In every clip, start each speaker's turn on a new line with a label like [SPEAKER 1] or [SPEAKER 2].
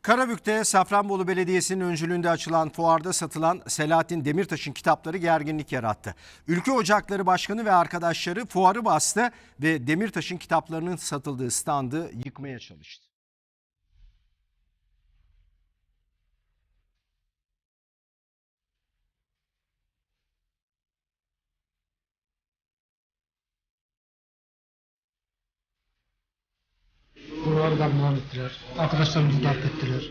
[SPEAKER 1] Karabük'te Safranbolu Belediyesi'nin öncülüğünde açılan fuarda satılan Selahattin Demirtaş'ın kitapları gerginlik yarattı. Ülke Ocakları Başkanı ve arkadaşları fuarı bastı ve Demirtaş'ın kitaplarının satıldığı standı yıkmaya çalıştı.
[SPEAKER 2] Buraları darmadağın ettiler. Arkadaşlarımızı darp ettiler.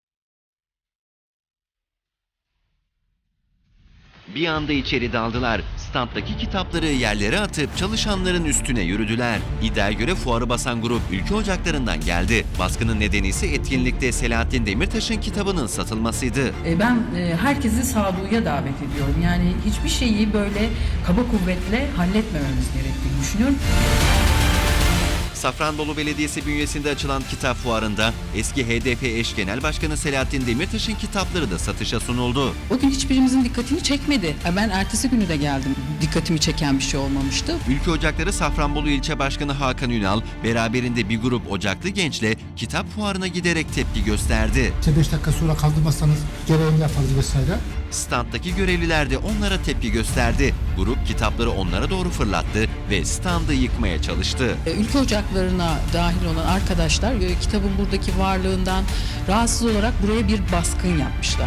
[SPEAKER 3] Bir anda içeri daldılar. Standdaki kitapları yerlere atıp çalışanların üstüne yürüdüler. İddiaya göre fuarı basan grup Ülke Ocakları'ndan geldi. Baskının nedeni ise etkinlikte Selahattin Demirtaş'ın kitabının satılmasıydı.
[SPEAKER 4] Ben herkesi sağduyuya davet ediyorum. Yani hiçbir şeyi böyle kaba kuvvetle halletmememiz gerektiğini düşünüyorum.
[SPEAKER 3] Safranbolu Belediyesi bünyesinde açılan kitap fuarında eski HDP eş genel başkanı Selahattin Demirtaş'ın kitapları da satışa sunuldu.
[SPEAKER 4] O gün hiçbirimizin dikkatini çekmedi. Ben ertesi günü de geldim. Dikkatimi çeken bir şey olmamıştı.
[SPEAKER 3] Ülke Ocakları Safranbolu İlçe Başkanı Hakan Ünal beraberinde bir grup Ocaklı gençle kitap fuarına giderek tepki gösterdi.
[SPEAKER 2] 5 dakika sonra kaldırmazsanız gereğini yaparız vesaire.
[SPEAKER 3] Standdaki görevliler de onlara tepki gösterdi. Grup kitapları onlara doğru fırlattı ve standı yıkmaya çalıştı.
[SPEAKER 4] Ülke ocaklarına dahil olan arkadaşlar kitabın buradaki varlığından rahatsız olarak buraya bir baskın yapmışlar.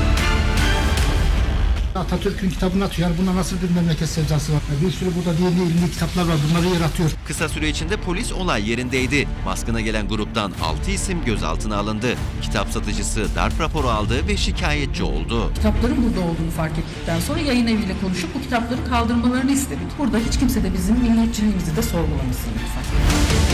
[SPEAKER 2] Atatürk'ün kitabını atıyor. Yani buna nasıl bir memleket sevdası var? Bir sürü burada dini ilmi kitaplar var. Bunları yer atıyor.
[SPEAKER 3] Kısa süre içinde polis olay yerindeydi. Baskına gelen gruptan 6 isim gözaltına alındı. Kitap satıcısı darp raporu aldı ve şikayetçi oldu.
[SPEAKER 4] Kitapların burada olduğunu fark ettikten sonra yayın eviyle konuşup bu kitapları kaldırmalarını istedik. Burada hiç kimse de bizim milliyetçiliğimizi de sorgulamasın lütfen.